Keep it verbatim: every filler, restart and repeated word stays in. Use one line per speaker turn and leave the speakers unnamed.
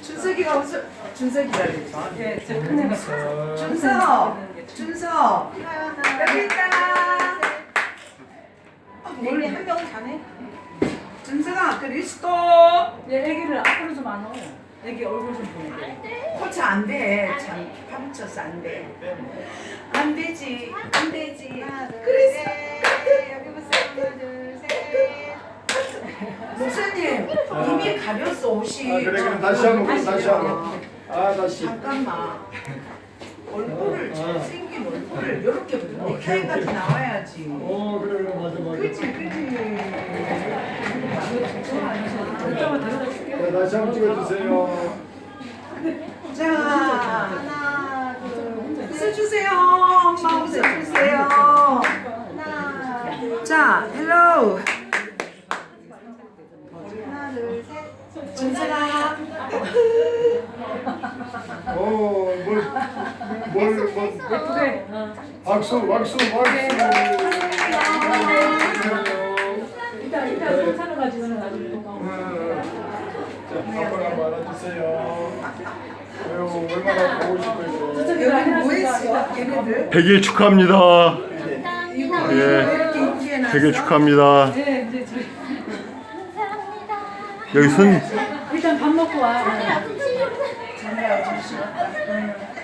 준석이가 웃어. 준석이가 그랬죠.
예, 저 큰애가
준석, 준석. 여기 있다.
애기 한 명은 자네?
준석아, 그리스도.
얘 애기를 앞으로 좀 안 오. 애기 얼굴 좀 보내.
코치 안 돼. 참 파묻혀서 안 돼. 안 되지. 안 되지. 그리스.
여기 보세요. 하나, 둘, 셋.
목사님 이미 가렸어 옷이.
아 그래 그럼 다시 한번 그럼 다시 한번. 아 다시.
잠깐만. 얼굴을
아.
잘생긴 얼굴을 이렇게
오케이,
넥타이까지
오케이.
나와야지.
어 그래 그래 맞아 맞아.
그치 그치.
이따가 데려다 줄게.
네, 다시 한번 찍어주세요.
자
하나, 둘,
웃어주세요. 엄마 웃어주세요.
하나,
자 헬로
하나, 둘, 셋.
준서가.
어뭘뭘 뭘, 뭐,
예쁘게. 어.
박수 박수 박수.
이따 이따 괜찮아 가지고는 나중에 고마워.
자 한번 한번 알아주세요. 아유 얼마나 보고 싶어요.
여기 뭐 했어? 얘네들?
백 일 축하합니다.
이거
예.
왜 이렇게 인기에 났어?
백 일 축하합니다.
네, 이제 저희
여기 손
일단 밥 먹고 와.
전화 주시고.